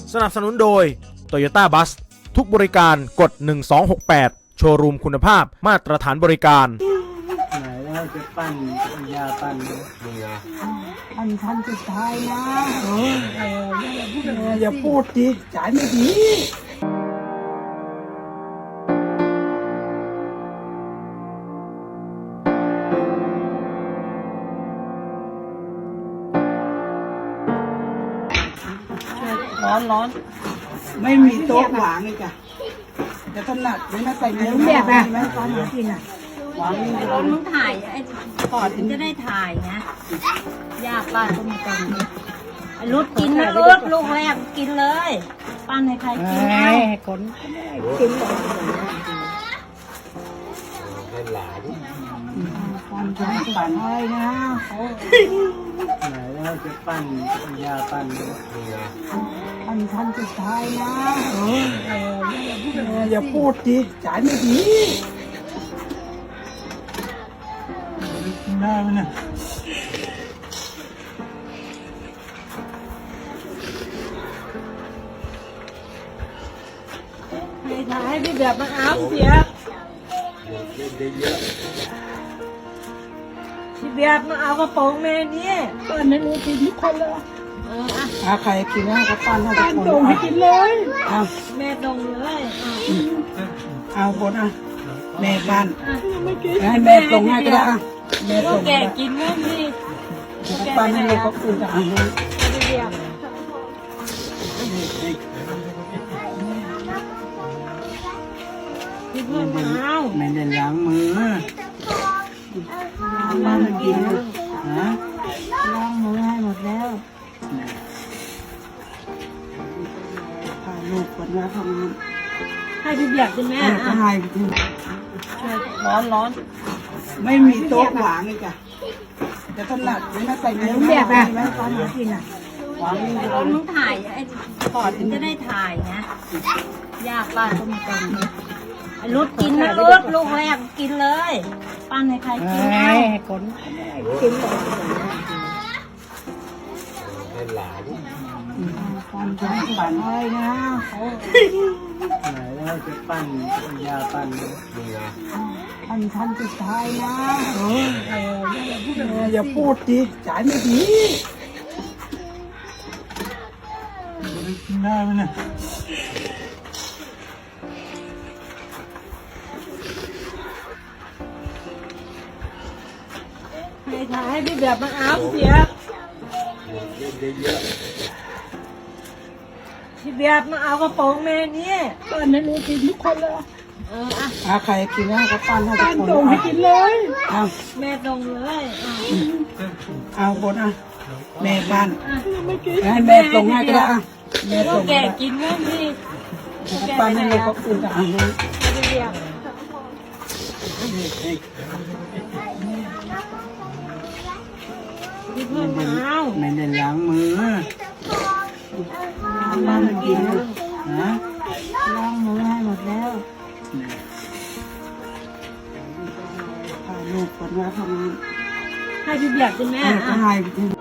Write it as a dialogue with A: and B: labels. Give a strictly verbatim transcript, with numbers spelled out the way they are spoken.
A: สนับสนุนโดย Toyota Bus ทุกบริการกดหนึ่งสองหกแปดโชว์รูมคุณภาพมาตรฐานบริการ
B: ไหนแล้วจะปั้นยาปั้นนี่ไง
C: อันทันสุดท้ายนะเออเออ
B: อย่าพูดดิจ่ายไม่ดี
C: ร้อนร้อน
B: ไม่มีโต๊ะวางเลยจ้ะจะถนัดไม่น่าใส่เนื้อ
C: แบบอะ
B: ไหมตอนนี้กินอ่ะวางนี่
D: เราต้องถ่ายไอ้ก่อนถึงจะได้ถ่ายนะยากป้าก็มีกันรุดกินนะรุดลูกแรกกินเลยป้านให้ใครกินให้
C: คนกินเลย
B: ให้หลาน
C: ปั้นปั้นปั้นอะไรนะ
B: ไหนแล้วจะปั้นยาปั้นนี่ไง
C: อันทันสุดท้ายนะเออเอ
B: ออย่าพูดดิจ่ายไม่ดีได้ไหมเนี่ย
D: ให้ถ่ายให้พี่แบบมาเอาเสียพี่แบบมาเอากระป๋องแม่นี่
C: ปั้นให้รู้กินทุกคนเลย
D: เอออ่ะ
B: ถ้าใครกินนะก็ปั้นให้ทุกคน
C: ตรงให้กินเลย
B: เอา
D: แม่ตรงเลย
B: เอาคนอ่ะแม่ปั้นให้แม่ตรงให้ก็ได้อ่ะแม่ตรง
D: แกกินมั้งนี่
B: ปั้นให้ลูกเขากินอ่ะ
D: พี่แบบพี่เพื่อนมาเอา
B: ไม่ได้ล้างมือ
C: มากิน
B: ฮะ
C: ล้างมือให้หมดแล้ว
B: พาลูกคนละทำงาน
D: ให้พี่แบบกินแม่
B: ก็ให้ไปกิน
D: ร้อนร้อน
B: ไม่มีโต๊ะวางเลยจ้ะจะถนัดไม่น่าใส่เนื้อ
C: แบบอะตอนนี้กินอ่ะ
B: วางนี่
D: เราต้องถ่ายไอ้ก่อนถึงจะได้ถ่ายนะยากป้าก็มีกันรุดกินนะรุดลูกแรกกินเลยปั้นให้ใครกินให้
C: คนกินเลย
B: ให้หลาน
C: ปั้นปั้นปั้นอะไรนะ
B: ไหนแล้วจะปั้นยาปั้นนี่ไง
C: อันทันสุดท้ายนะเออเอ
B: ออย่าพูดดิจ่ายไม่ดีได้ไหมเนี่ย
D: ให้ถ่ายให้พี่แบบมาเอาเสียพี่แบบมาเอากระป๋องแม่นี่
C: ปั้นให้รู้กินทุกคนเลย
D: เอออ่ะ
B: ถ้าใครกินนะก็ปั้นให้ทุกคน
C: ตรงให้กินเลย
B: เอา
D: แม่ตรงเลย
B: เอาคนอ่ะแม่ปั้นให้
D: แ
B: ม่ตรงให้ก็ได้อ่ะแม่ตรง
D: แกกินมั้งนี่
B: ปั้นให้ลูกเขากินอ่ะ
D: พี่แบบพี่เพื่อนมาเอา
B: ไม่ได้ล้างมือ
C: มากิน
B: ฮะ
C: ล้างมือให้หมดแล้ว
B: พาลูกคนละทำงาน
D: ให้พี่แบบกินแม่
B: ก็ให้ไปกิน